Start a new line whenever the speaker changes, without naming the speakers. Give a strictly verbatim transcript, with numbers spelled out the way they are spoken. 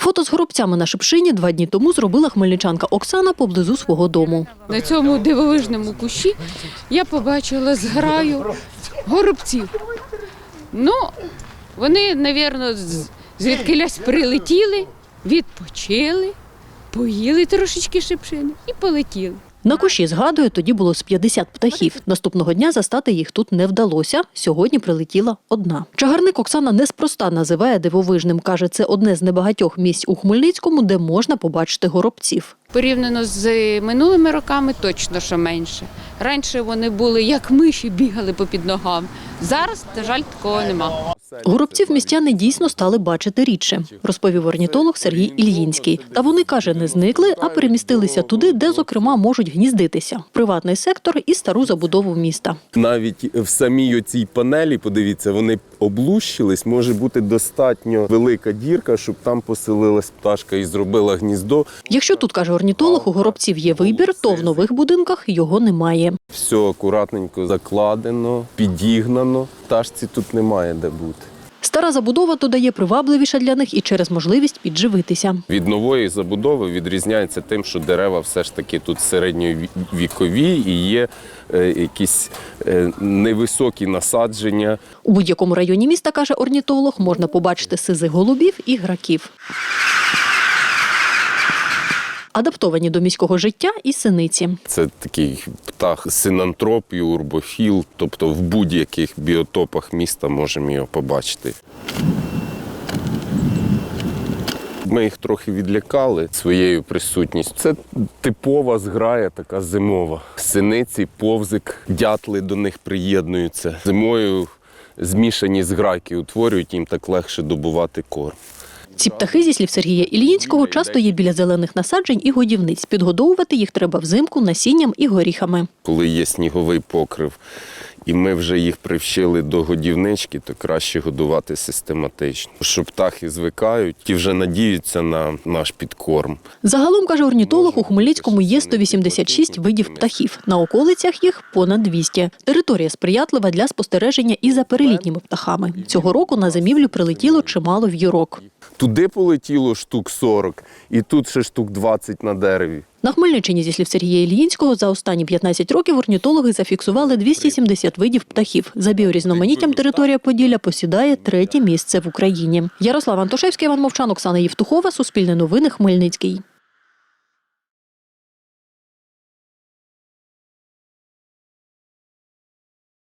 Фото з горобцями на Шипшині два дні тому зробила хмельничанка Оксана поблизу свого дому.
На цьому дивовижному кущі я побачила зграю горобців. Ну, вони, мабуть, звідкилясь прилетіли, відпочили, поїли трошечки шипшини і полетіли.
На кущі, згадує, тоді було з п'ятдесят птахів. Наступного дня застати їх тут не вдалося. Сьогодні прилетіла одна. Чагарник Оксана неспроста називає дивовижним. Каже, це одне з небагатьох місць у Хмельницькому, де можна побачити горобців.
Порівняно з минулими роками точно, що менше. Раніше вони були як миші, бігали попід ногами. Зараз, на жаль, такого нема.
Горобців містяни дійсно стали бачити рідше, розповів орнітолог Сергій Ільїнський. Та вони, каже, не зникли, а перемістилися туди, де, зокрема, можуть гніздитися – приватний сектор і стару забудову міста.
Навіть в самій оцій панелі, подивіться, вони облущились, може бути достатньо велика дірка, щоб там поселилась пташка і зробила гніздо.
Якщо тут, каже орнітолог, у горобців є вибір, то в нових будинках його немає.
Все акуратненько закладено, підігнано, пташці тут немає де бути.
Стара забудова, додає, привабливіша для них і через можливість підживитися.
Від нової забудови відрізняється тим, що дерева все ж таки тут середньовікові і є е, якісь е, невисокі насадження.
У будь-якому районі міста, каже орнітолог, можна побачити сизих голубів і граків. Адаптовані до міського життя і синиці.
Це такий птах синантроп і урбофіл, тобто в будь-яких біотопах міста можемо його побачити. Ми їх трохи відлякали своєю присутністю. Це типова зграя, така зимова. Синиці, повзик, дятли до них приєднуються. Зимою змішані зграйки утворюють, їм так легше добувати корм.
Ці птахи, зі слів Сергія Ільїнського, часто є біля зелених насаджень і годівниць. Підгодовувати їх треба взимку насінням і горіхами.
Коли є сніговий покрив, і ми вже їх привчили до годівнички, то краще годувати систематично. Що птахи звикають і вже надіються на наш підкорм.
Загалом, каже орнітолог, у Хмельницькому є сто вісімдесят шість видів птахів. На околицях їх понад двісті. Територія сприятлива для спостереження і за перелітніми птахами. Цього року на зимівлю прилетіло чимало в'юрок.
Туди полетіло штук сорок, і тут ще штук двадцять на дереві.
На Хмельниччині, зі слів Сергія Ільїнського, за останні п'ятнадцять років орнітологи зафіксували двісті сімдесят видів птахів. За біорізноманіттям територія Поділля посідає третє місце в Україні. Ярослав Антошевський, Іван Мовчан, Оксана Євтухова, Суспільне новини, Хмельницький.